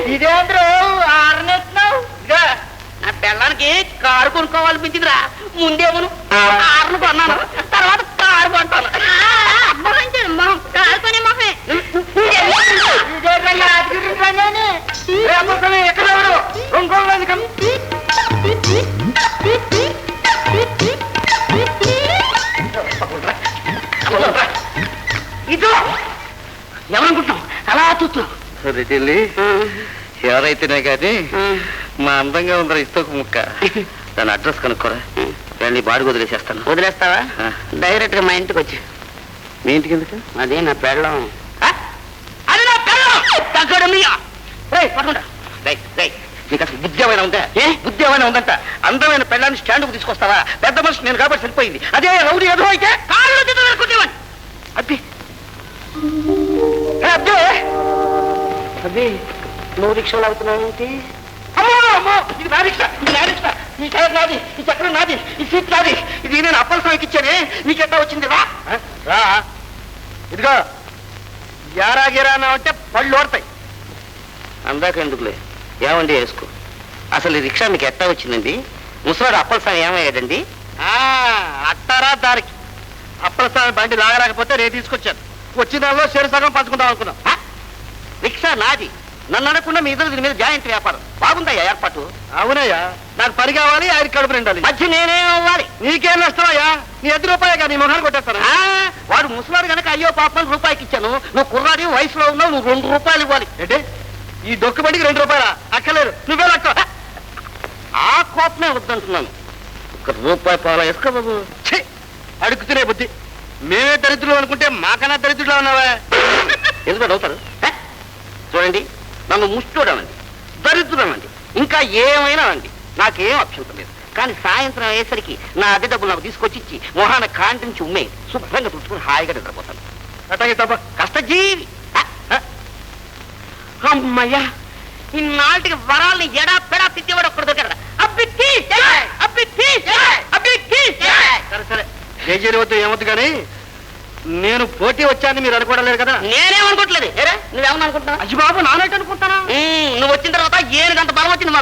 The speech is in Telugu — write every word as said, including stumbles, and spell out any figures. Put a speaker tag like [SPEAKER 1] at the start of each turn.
[SPEAKER 1] ఇదేంద్రు ఆరనెత్తున్నావు? ఇదిగా నా పిల్లలకి కారు కొనుక్కోవాలనిపించిందిరా. ముందేమను ఆరును కొన్నాను, తర్వాత కారు కొంటాను. కారు కొనే మొహమే ఎక్కడ ఇదో ఎవరనుకుంటున్నావు అలా చూస్తున్నావు?
[SPEAKER 2] రెడ్డి ఎవరైతేనే కానీ మా అందంగా ఉందరా ఇస్తోక ముక్క. దాని అడ్రస్ కనుక్కోరా, దాన్ని బాడి వదిలేసేస్తాను.
[SPEAKER 1] వదిలేస్తావా? డైరెక్ట్ గా మా ఇంటికి వచ్చి.
[SPEAKER 2] మీ ఇంటికి ఎందుకు?
[SPEAKER 1] అదే నా పెళ్ళం. అది నా పెళ్ళం. తగ్గడు
[SPEAKER 2] నీకు అసలు బుద్ధి ఏమైనా ఉందా? ఏ బుద్ధి ఏమైనా ఉందంట? అందమైన పెళ్ళాన్ని స్టాండ్కు తీసుకొస్తావా? పెద్ద మనిషి నేను కాబట్టి సరిపోయింది. అదే రౌడీ ఎదురు అయితే
[SPEAKER 1] కాళ్ళు తిట్టుకునేవాడిని.
[SPEAKER 2] అబ్బి అబ్బే
[SPEAKER 1] అబ్బే నువ్వు రిక్షాలు అవుతున్నావు ఏంటి?
[SPEAKER 2] అమ్మో అమ్మో, ఇది నా రిక్షా, ఇది నా రిక్షా. ఈ టైర్ నాది, ఈ చక్రం నాది, ఈ సీట్ నాది. ఇది నేను అప్పల స్వామికి ఇచ్చానే, నీకెట్టా వచ్చింది? రా రా ఇదిగో యారా గిరా అంటే పళ్ళు ఓడతాయి. అందాక ఎందుకులే, ఏమండి వేసుకో. అసలు ఈ రిక్షా మీకు ఎట్టా వచ్చిందండి? ముసలాడు అప్పల స్వామి ఏమయ్యాడండి? అట్టారా దారికి అప్పల స్వామి బండి లాగలేకపోతే నేను తీసుకొచ్చాను. వచ్చిన దానిలో షేరు సగం పంచుకుందాం అనుకున్నాం. రిక్షా నాది, నన్ను అనకుండా మీ ఇద్దరు దీని మీద జాయింట్ వ్యాపారం. బాగుందయ్యా ఏర్పాటు. అవునయ్యా, నాకు పని కావాలి, ఆయన కడుపు నిండాలి. మధ్య నేనేం అవ్వాలి? నీకేం నష్టమయ్యా? నీ ఎద్దు రూపాయగా నీ మొహాన్ని కొట్టేస్తాను. వాడు ముసలాడు కనుక అయ్యో పాపం రూపాయికి ఇచ్చాను. నువ్వు కుర్రాడి వయసులో ఉన్నావు, నువ్వు రెండు రూపాయలు ఇవ్వాలి. అంటే ఈ దొక్కు బండికి రెండు రూపాయలా? అక్కర్లేదు, నువ్వే లక్క. ఆ కోపమే వద్దంటున్నాను. ఒక రూపాయి పాల వేసుకో బాబు. అడుగుతునే బుద్ధి. మేమే దరిద్రులు అనుకుంటే మాకన్నా దరిద్రులు ఉన్నావా? ఎందుకు అవుతారు? చూడండి, నన్ను ముష్టూడనండి, దరిద్రుడనండి, ఇంకా ఏమైనా అండి, నాకేం అభ్యంతరం లేదు. కానీ సాయంత్రం అయ్యేసరికి నా అద్దె డబ్బులు నాకు తీసుకొచ్చి ఇచ్చి మొహాన కాంటి నుంచి ఉమ్మే శుభ్రంగా తుడుచుకుని హాయిగా నిద్రపోతాను. అట్లాగే తప్ప కష్టజీవి.
[SPEAKER 1] అమ్మయ్యా, ఇన్నాటికి వరాల్ని ఎడా పెడా తిట్టేవాడు ఒక్కడు దొరికాడు. అబ్బిత్తి అబ్బిత్తి అబ్బిత్తి.
[SPEAKER 2] సరే సరే, జేజేరి వద్దు ఏమొద్దు కానీ నేను పోటీ వచ్చాను మీరు అనుకోవడం కదా?
[SPEAKER 1] నేనేమనుకోవట్లేదు. నువ్వేమన్నా అనుకుంటున్నావు?
[SPEAKER 2] అజ్జి బాబు నానట్టు అనుకుంటానా?
[SPEAKER 1] నువ్వు వచ్చిన తర్వాత ఏనుగంత బలం వచ్చింది.